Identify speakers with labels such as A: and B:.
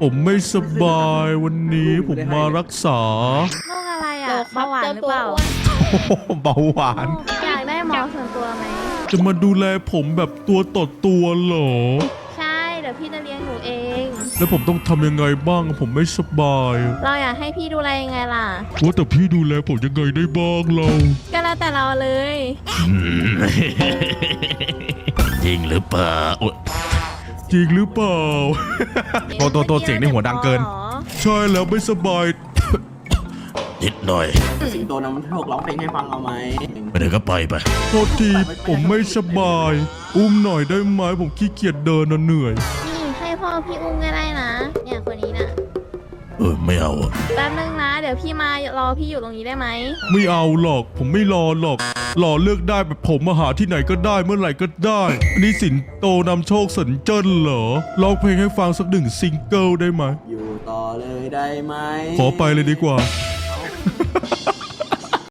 A: ผมไม่สบายวันนี้ผมมารักษา
B: โรคอะไร
C: โล
B: อ่ะ
C: ครั
B: เบาหวานหรือเปล่า
A: เบาหวาน
B: อยากได้หมอส่วนตัวไหม
A: จะมาดูแลผมแบบตัวต่อตัวเหรอ
B: ใช่ เดี๋ยวพี่จะเลี้ยงหนูเอง
A: แล้วผมต้องทำยังไงบ้างผมไม่สบาย
B: เราอยากให้พี่ดูแลยังไงล่ะ
A: ว่าแต่พี่ดูแลผมยังไงได้บ้างเรา
B: ก็แล้วแต่เราเลย
D: จริงหรือเปล่าอุ๊ย
A: จริงหรือเปล่า ตัวเสียงในหัวดังเกิน
B: หรอ
A: ใช่แล้วไม่สบาย
D: นิดหน่อย
E: สิงโตนำโชคร้องเพลงให้ฟังเอาไหม
D: ไม่ได้ก็ไป
A: โทษทีผมไม่สบาย อุ้มหน่อยได้ไหมผมขี้เกียจเดินนะเหนื่อย
B: นี่ให้พ่อพี่อุ้มก็ได้นะ เนี่ยคนนี้น่ะ
D: ไม่เอาอะ
B: แป๊บนึงนะ เดี๋ยวพี่มารอพี่อยู่ตรงนี้ได้ไหม
A: ไม่เอาหรอก ผมไม่รอหรอกรอเลือกได้แบบผมมาหาที่ไหนก็ได้เมื่อไหร่ก็ได้อันนี่สินโตนำโชคสัญเจิ้นเหรอร้องเพลงให้ฟังสัก1 ซิงเกิลได้ไหม
E: อยู่ต่อเลยได้ไหม
A: ขอไปเลยดีกว่า
E: อ